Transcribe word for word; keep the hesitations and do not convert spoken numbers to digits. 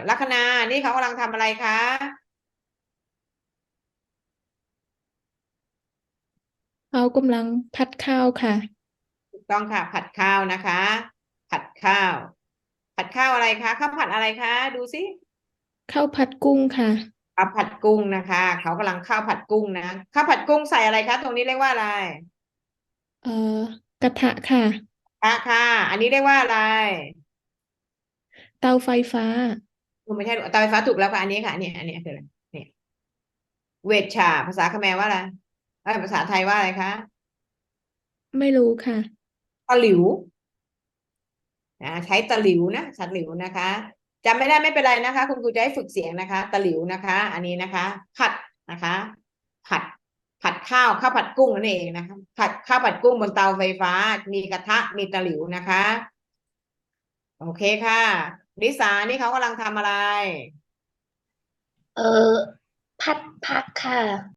ลัคนานี่เขากำลังทำอะไรคะเขากำลังพัดข้าวค่ะถูกต้องค่ะผัดข้าวนะคะผัดข้าวผัดข้าวอะไรคะข้าวผัดอะไรคะดูสิข้าวผัดกุ้งค่ะข้าวผัดกุ้งนะคะเขากำลังข้าวผัดกุ้งนะข้าวผัดกุ้งใส่อะไรคะตรงนี้เรียกว่าอะไรเอ่อกระทะค่ะค่ะค่ะอันนี้เรียกว่าอะไรเตาไฟฟ้าเออไม่ใช่เตาไฟฟ้าถูกแล้วค่ะอันนี้ค่ะอันนี้อันนี้คืออะไรเนี่ยเวชชาภาษาเขมรว่าอะไรเอ้ยภาษาไทยว่าอะไรคะไม่รู้ค่ะตะหลิว นะใช้ตะหลิวนะตะหลิวนะคะจำไม่ได้ไม่เป็นไรนะคะคุณครูจะให้ฝึกเสียงนะคะตะหลิวนะคะอันนี้นะคะผัดนะคะผัดผัดข้าวข้าวผัดกุ้งนั่นเองนะคะผัดข้าวผัดกุ้งบนเตาไฟฟ้ามีกระทะมีตะหลิวนะคะโอเคค่ะลิสานี่เขากำลังทำอะไรเออพัดพักค่ะ